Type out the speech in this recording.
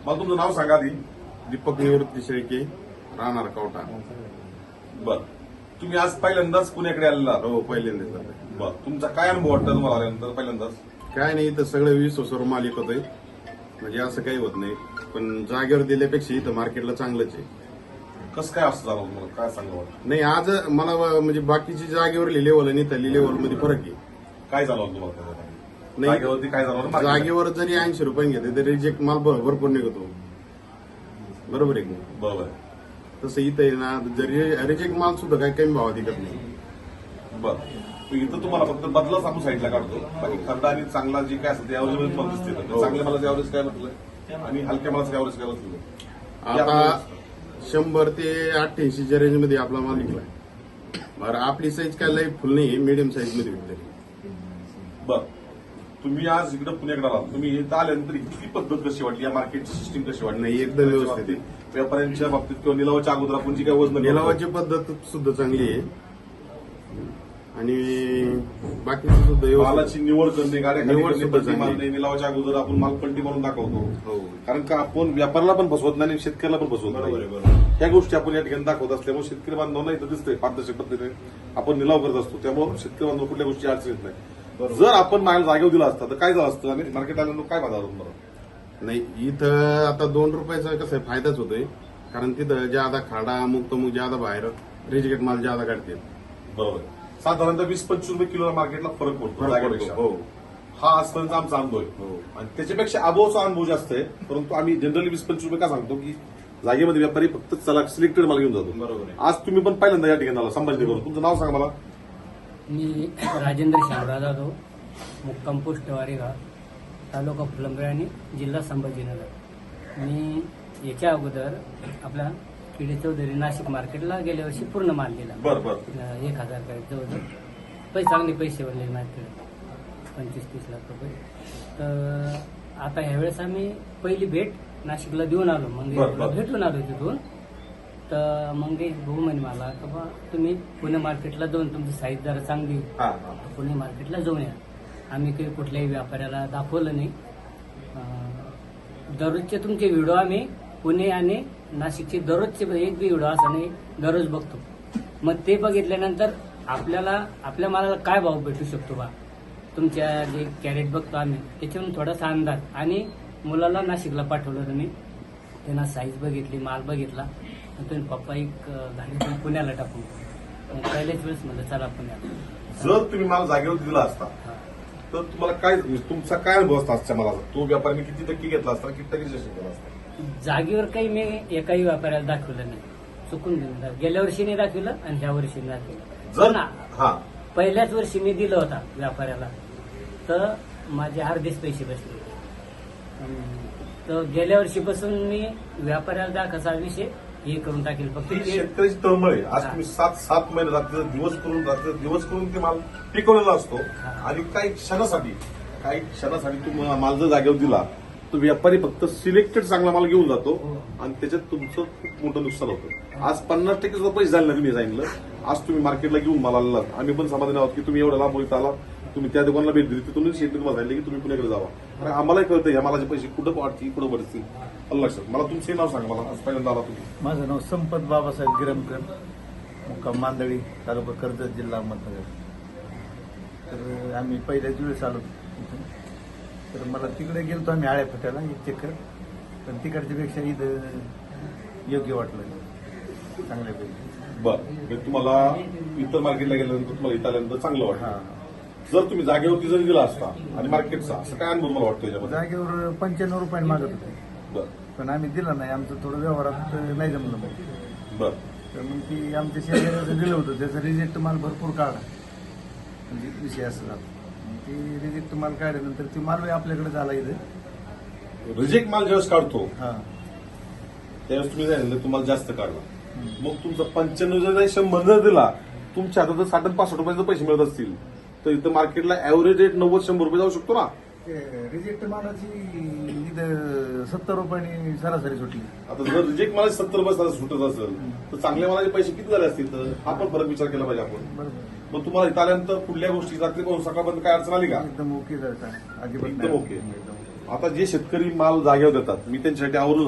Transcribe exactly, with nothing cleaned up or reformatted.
मला तुमचं नाव सांगा आधी. दीपक निवृत्ती शेळके, राहणार कवठा. बर, तुम्ही आज पहिल्यांदाच पुण्याकडे आलेला आहात? हो, पहिल्यांदाच झालं. बर, तुमचा काय अनुभव वाटतं तुम्हाला आल्यानंतर पहिल्यांदाच? काय नाही, इथं सगळं वीस वर्षावर मालिक होतंय, म्हणजे असं काही होत नाही. पण जागेवर दिल्यापेक्षा इथं मार्केटला चांगलंच आहे. कसं काय असं झालं तुम्हाला, काय सांगा वाटतं? नाही, आज मला म्हणजे बाकीची जागेवरली लेवल आणि इथली लेवल मध्ये फरक आहे. काय झालं होतं तुम्हाला त्याच्यामध्ये? नाही, जागेवरती काय झालं होतं? मार्केटला? जागेवर जरी ऐंशी रुपये घेते तरी रिजेक्ट माल भर- भरपूर निघतो. बरोबर आहे की नाही? बरोबर आहे. तसं इथं आहे ना, जरी रिजेक्ट माल सुद्धा काही कमी भावात विकत नाही. बर, तर इथं तुम्हाला फक्त बदलाच आपण साईडला काढतो. बाकी खर्च आणि चांगला जे काय असेल ते ॲव्हरेज पण दिसते. तर चांगल्या मालाचं ॲव्हरेज काय म्हटलं आणि हलक्या मालाचं ॲव्हरेज काय म्हटलं? आता शंभर ते अठ्ठ्याऐंशीच्या रेंजमध्ये आपला माल विकलाय. बरं, आपली साईज काय लई फुल नाही, मिडियम साईज मध्ये विकते. बर, तुम्ही आज इकडे पुण्याकडे आलात, तुम्ही इथं आल्यानंतर इतकी पद्धत कशी वाटली, या मार्केटची सिस्टीम कशी वाटली? नाही, एकदम व्यवस्थित आहे. व्यापाऱ्यांच्या बाबतीत किंवा निलावाच्या अगोदर आपण जी काय वजन निलावाची पद्धत सुद्धा चांगली आहे आणि बाकीचं सुद्धा व्यवस्थित. मालाची निवड करणे, गाड्या निवड खाली करणे, सुद्धा पट्टी चांगली. मारणे, निलावाच्या अगोदर आपण माल पलटी मारून दाखवतो. हो, कारण का आपण व्यापाऱ्याला पण फसवत नाही आणि शेतकऱ्याला पण फसवत नाही. ह्या गोष्टी आपण या ठिकाणी दाखवत असल्यामुळे शेतकरी बांधवांना इथं दिसतंय पारदर्शक पद्धतीने आपण निलाव करत असतो. त्यामुळे शेतकरी बांधव कुठल्या गोष्टी अडचण येत नाही. जर आपण माल जागेवर दिला असता तर काय झालं असतं आणि मार्केट आल्यानंतर काय बाजार होतं? नाही, इथं आता दोन रुपयाचा कसं आहे, फायदाच होतोय. कारण तिथं ज्यादा खाडा मुक्त मग ज्यादा बाहेर रिजेक्ट माल ज्यादा काढते. बरोबर, साधारणतः वीस पंचवीस रुपये किलोला मार्केटला फरक पडतो जागेपेक्षा. हो, हा आजपर्यंत आमचा अनुभव आहे. हो. आणि त्याच्यापेक्षा अनुभवचा अनुभव जास्त आहे. परंतु आम्ही जनरली वीस पंचवीस रुपये का सांगतो की जागेमध्ये व्यापारी फक्त चला सिलेक्टेड माल घेऊन जातो. बरोबर आहे. आज तुम्ही पण पहिल्यांदा या ठिकाणी आला संभाजीनगर. तुमचं नाव सांगा मला. मी राजेंद्र शामराव जाधव, मुक्काम पोस्ट वारेगाव, तालुका फुलंब्री आणि जिल्हा संभाजीनगर. मी याच्या अगोदर आपला किडे चौधरी नाशिक मार्केटला गेल्या वर्षी पूर्ण माल दिला. बर बर एक हजार काय जवळजवळ पैसे चांगले पैसे बनले मार्केट, पंचवीस तीस लाख रुपये. तर आता ह्यावेळेस आम्ही पहिली भेट नाशिकला देऊन आलो, मग बर, बर. भेटून आलो तिथून. तर मंगेश भाऊ म्हणे मला की बा तुम्ही पुणे मार्केटला जाऊन तुमची साईज जरा चांगली, हा हा पुणे मार्केटला जाऊन या. आम्ही काही कुठल्याही व्यापाऱ्याला दाखवलं नाही. अं, दररोजचे तुमचे व्हिडिओ आम्ही पुणे आणि नाशिकचे दररोजचे एक बी व्हिडिओ असा नाही, दररोज बघतो. मग ते बघितल्यानंतर आपल्याला आपल्या मालाला काय भाव भेटू शकतो बा, तुमच्या जे कॅरेट बघतो आम्ही त्याच्यावरून थोडासा अंदाज. आणि मुलाला नाशिकला पाठवलं तुम्ही, त्यांना साईज बघितली, माल बघितला. मग तुम्ही पप्पा एक गाडी तुम्ही पुण्याला टाकून. मग पहिल्याच वेळेस म्हणलं चला पुण्याला. जर तुम्ही माल जागेवर दिला असता तर तुम्हाला काय तुमचा काय अनुभव असता आजच्या मालाचा? तो व्यापाऱ्याने किती टक्के घेतला असता, किती टक्के रेशन केला असता? जागेवर काही मी एकाही व्यापाऱ्याला दाखवलं नाही, चुकून दिलं नाही. गेल्या वर्षी नाही दाखवलं आणि ह्या वर्षी नाही दाखवलं. जर ना हा पहिल्याच वर्षी मी दिलं होता व्यापाऱ्याला, तर माझे अर्धेच पैसे बसले. अं, तर गेल्या वर्षीपासून मी व्यापाऱ्याला दाखवायचा विषय हे करून टाकेल. फक्त ती ते- शेतकऱ्याची तळमळ आहे. आज हा. तुम्ही सात सात महिने रात्री दिवस करून रात्री दिवस करून ते माल पिकवलेला असतो हा. आणि काही क्षणासाठी काही क्षणासाठी तुम्ही माल जर जागेवर दिला तर व्यापारी फक्त सिलेक्टेड चांगला माल घेऊन जातो हो. आणि त्याच्यात तुमचं खूप मोठं नुकसान होतं. आज पन्नास टक्के सुद्धा पैसे झाले नाही. तुम्ही सांगितलं आज तुम्ही मार्केटला घेऊन माल आलेला. आम्ही पण समाधानी आहोत की तुम्ही एवढा लांब इथं आला, तुम्ही त्या दुकानाला भेट दिली, तिथून शेतकरी तुम्हाला सांगितलं की तुम्ही पुण्याकडे जावा. कारण आम्हालाही कळतं ह्या मालाचे पैसे कुठं वाढतील कुठं भरतील. अल्ला लक्षात. मला तुमचंही नाव सांगा. मला आज पहिल्यांदा आला तुम्ही. माझं नाव संपत बाबासाहेब गिरमकर, मुक्काम मांदळी, तालुका कर्जत, जिल्हा अहमदनगर. तर आम्ही पहिल्याच वेळेस आलो इथून. तर मला तिकडे गेलो आम्ही आळ्या फट्याला एक चक्कर, पण तिकडच्या पेक्षा इथं योग्य वाटलं, चांगल्यापैकी. बरं, म्हणजे तुम्हाला इतर मार्केटला गेल्यानंतर तुम्हाला इथं आल्यानंतर चांगलं वाटतं. हा, जर तुम्ही जागेवरती जरी दिला असता आणि मार्केटचा असं काय अनुभव मला वाटतं याच्यामध्ये? जागेवर पंच्याण्णव रुपयाने मागत होते, बरं पण आम्ही दिला नाही. आमचं थोडं व्यवहारात नाही जमलं मग. बरं तर मग ती आमच्या शेतकऱ्याचं दिलं होतं, त्याचा रिजेक्ट माल भरपूर काढा, म्हणजे विषय असं झाला. मग ती रिजेक्ट माल काढल्यानंतर ती माल आपल्याकडे झाला इथं. रिजेक्ट माल ज्यावेळेस काढतो हा, त्यावेळेस तुम्ही सांगितलं तुम्हाला जास्त काढला. मग तुमचा पंच्याण्णव जर शंभर जर दिला, तुमच्या हातात जर साठ पासष्ट रुपयाचे पैसे मिळत असतील तर इथं मार्केटला ऍव्हरेज रेट नव्वद शंभर रुपये जाऊ शकतो ना. रिजेक्ट मालाची इथं सत्तर रुपयाने सरासरी सुटली. आता जर रिजेक्ट मालाचे सत्तर रुपये सुटत असेल तर चांगल्या मालाचे पैसे किती झाले असतील? तर हा पण फरक विचार केला पाहिजे आपण. बरोबर, मग तुम्हाला इथं आल्यानंतर पुढल्या गोष्टी रात्री पाहून सकाळपर्यंत काय अडचण आली का? एकदम ओके जायचा, अजिबात एकदम नाही. ओके. एकदम ओके. आता जे शेतकरी माल जागेवर देतात मी त्यांच्यासाठी आवर्जून